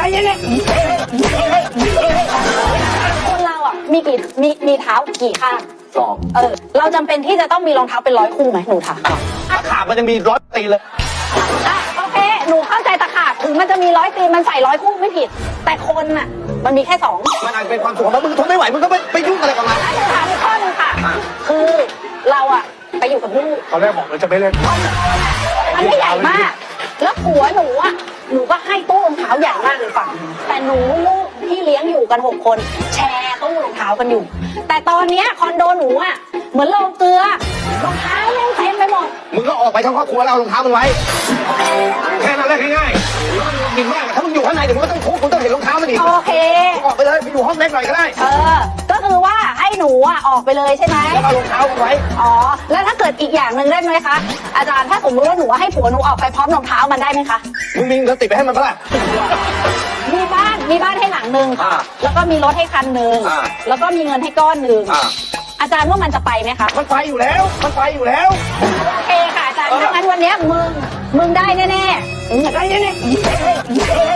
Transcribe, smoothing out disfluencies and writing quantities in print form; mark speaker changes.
Speaker 1: คนเราอ่ะมีเท้ากี่ข้าง
Speaker 2: 2
Speaker 1: เราจำเป็นที่จะต้องมีรองเท้าเป็น100 คู่ไหมหนูถาม
Speaker 2: ถ้าขาดมันยังมี100 ตีเลย
Speaker 1: โอเคหนูเข้าใจตะขาบถึงมันจะมี100 ตีมันใส่100 คู่ไม่ผิด แต่คนน่ะมันมีแค่2
Speaker 2: มันอาจจะเป็นความสุขของมึงทนไม่ไหวมึงก็ไปยุ่งอะไรกับมัน
Speaker 1: ถามอีกข้อหนึงค่ะ คือเราอะไปอยู่กับลูก
Speaker 2: ตอนแรกบอกเลยจะไม่เล่น
Speaker 1: มันไม่ใหญ่มาก แล้วผัวหนูอะหนูก็ให้ตู้รองเท้าใหญ่มากเลยฝั่งแต่หนูลูกที่เลี้ยงอยู่กัน6 คนแชร์ตู้รองเท้ากันอยู่ แต่ตอนเนี้ยคอนโดหนูอะเหมือนโรงเกลือรองเท้ายังเต็มไปหมด
Speaker 2: มึงก็ออกไปทั้งครอบครัวแล้วเอารองเท้ามันไว้แค่นั้นแหละง่ายๆกินมากถ้ามึงอยู่ข้างในเดี๋ยวมึงก็ต้องทุบมึงต้องเห็นรองเท้ามันอีก
Speaker 1: โอเค
Speaker 2: ออกไปเลยไปอยู่ห้องเล็กหน่อยก็ได้
Speaker 1: ก็คือว่าให้หนูอะออกไปเลยใช่ไหม
Speaker 2: แล้วเอารองเท้ามันไว้
Speaker 1: อ๋อ แล้วถ้าเกิดอีกอย่างหนึ่งได้ไหมคะ อาจารย์ถ้าสมมติว่าหนูให้ผัวหนูออกไปพร้อมรองเท้ามันได้ไหมคะ
Speaker 2: มึงมีเงินติดไปให้มันปะล่ะ
Speaker 1: มีบ้านให้หลังหนึ่ง
Speaker 2: อ่า
Speaker 1: แล้วก็มีรถให้คันหนึ่ง
Speaker 2: อ่า
Speaker 1: แล้วก็มีเงินให้ก้อนหนึ่ง อาจารย์ว่ามันจะไปไหมคะ
Speaker 2: มันไปอยู่แล้วมันไปอยู่แล้ว
Speaker 1: โอเคค่ะอาจารย์ถ้างั้นวันเนี้ยมึงได้แน่ๆ
Speaker 2: ได้แน่